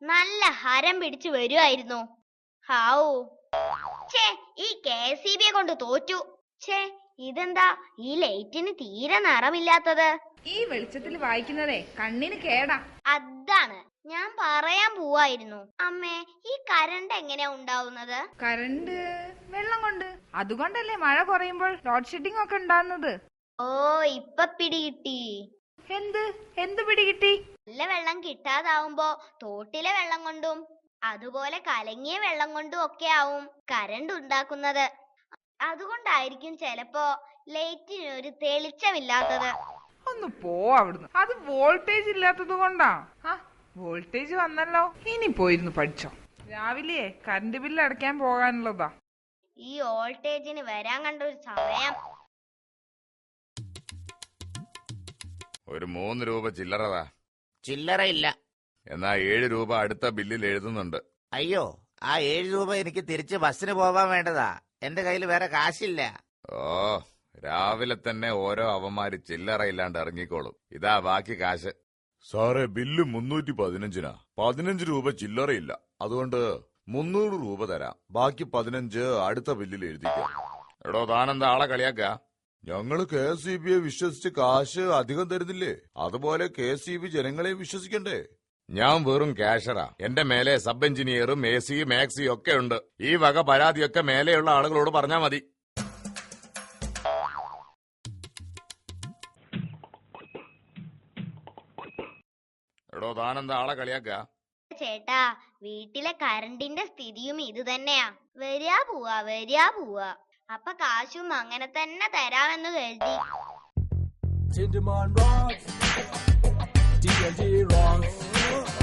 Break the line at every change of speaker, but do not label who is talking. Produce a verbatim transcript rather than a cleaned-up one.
നല്ല ഹരം പിടിച്ചു വരുമായിരുന്നു. ഹാവൂ, ഛേ, ഈ കെ എസ് ഇ ബിയെ കൊണ്ട് തോറ്റു. ഛേ, ഇതെന്താ ഈ ലൈറ്റിന് തീരെ നിറമില്ലാത്തത്?
ഈ വെളിച്ചത്തിൽ വായിക്കുന്നതേ കണ്ണിന് കേടാ.
അതാണ് ഞാൻ പറയാൻ പോവായിരുന്നു. അമ്മേ, ഈ കരണ്ട് എങ്ങനെയാ ഉണ്ടാവുന്നത്?
കരണ്ട് വെള്ളം കൊണ്ട്. അതുകൊണ്ടല്ലേ മഴ കുറയുമ്പോൾ ലോഡ് ഷെഡിംഗ് ഒക്കെ ഉണ്ടാകുന്നത്.
ഓ, ഇപ്പൊ പിടികിട്ടി.
എന്ത് എന്ത് പിടികിട്ടി?
നല്ല വെള്ളം കിട്ടാതാവുമ്പോ തോട്ടിലെ വെള്ളം കൊണ്ടും അതുപോലെ കലങ്ങിയ വെള്ളം കൊണ്ടും ഒക്കെ ആവും കരണ്ട് ഉണ്ടാക്കുന്നത്. അതുകൊണ്ടായിരിക്കും ചിലപ്പോ ലൈറ്റിന് ഒരു തെളിച്ചമില്ലാത്തത്.
ഒന്ന് പോ അവിടുന്ന്. അത് വോൾട്ടേജ് ഇല്ലാത്തത് കൊണ്ടാ. ആ, വോൾട്ടേജ് വന്നല്ലോ. ഇനി പോയിരുന്നു പഠിച്ചോ. രാവിലെ കറണ്ട് ബില്ല് അടയ്ക്കാൻ പോകാനുള്ളതാ.
ഈ വോൾട്ടേജിന് വരാൻ കണ്ട ഒരു സമയം.
ഒരു മൂന്ന് രൂപ ചില്ലറതാ.
ചില്ലറ ഇല്ല.
എന്നാ ഏഴ് രൂപ അടുത്ത ബില്ലിൽ എഴുതുന്നുണ്ട്.
അയ്യോ, ആ ഏഴ് രൂപ എനിക്ക് തിരിച്ച് ബസ്സിന് പോവാൻ വേണ്ടതാ. എന്റെ കയ്യിൽ വേറെ കാശില്ല.
ഓ, രാവിലെ തന്നെ ഓരോ അവന്മാര് ചില്ലറ ഇല്ലാണ്ട് ഇറങ്ങിക്കോളും. ഇതാ ബാക്കി കാശ്. സാറേ, ബില്ല് മുന്നൂറ്റി പതിനഞ്ചിനാ. പതിനഞ്ച് രൂപ ചില്ലറയില്ല. അതുകൊണ്ട് മുന്നൂറ് രൂപ തരാം. ബാക്കി പതിനഞ്ച് അടുത്ത ബില്ലിൽ എഴുതിക്കാം. എടോ, താനെന്താ ആളെ കളിയാക്ക? ഞങ്ങള് കെ എസ് ഇ ബിയെ വിശ്വസിച്ച് കാശ് അധികം തരുന്നില്ലേ? അതുപോലെ കെ എസ് ഇ ബി ജനങ്ങളെ വിശ്വസിക്കണ്ടേ? ഞാൻ വെറും ക്യാഷറാ. എന്റെ മേലെ സബ് എഞ്ചിനീയറും എ സി മാക്സി ഒക്കെ ഉണ്ട്. ഈ വക പരാതിയൊക്കെ മേലെയുള്ള ആളുകളോട് പറഞ്ഞാ മതി. എടോ, താനെന്താ ആളെ കളിയാക്ക?
ചേട്ടാ, വീട്ടിലെ കരണ്ടിന്റെ സ്ഥിതിയും ഇത് തന്നെയാ. വരിക പോവാ വരിക പോവാ. അപ്പൊ കാശും അങ്ങനെ തന്നെ തരാമെന്ന് കരുതി.
Tinderman rocks, D and D rocks.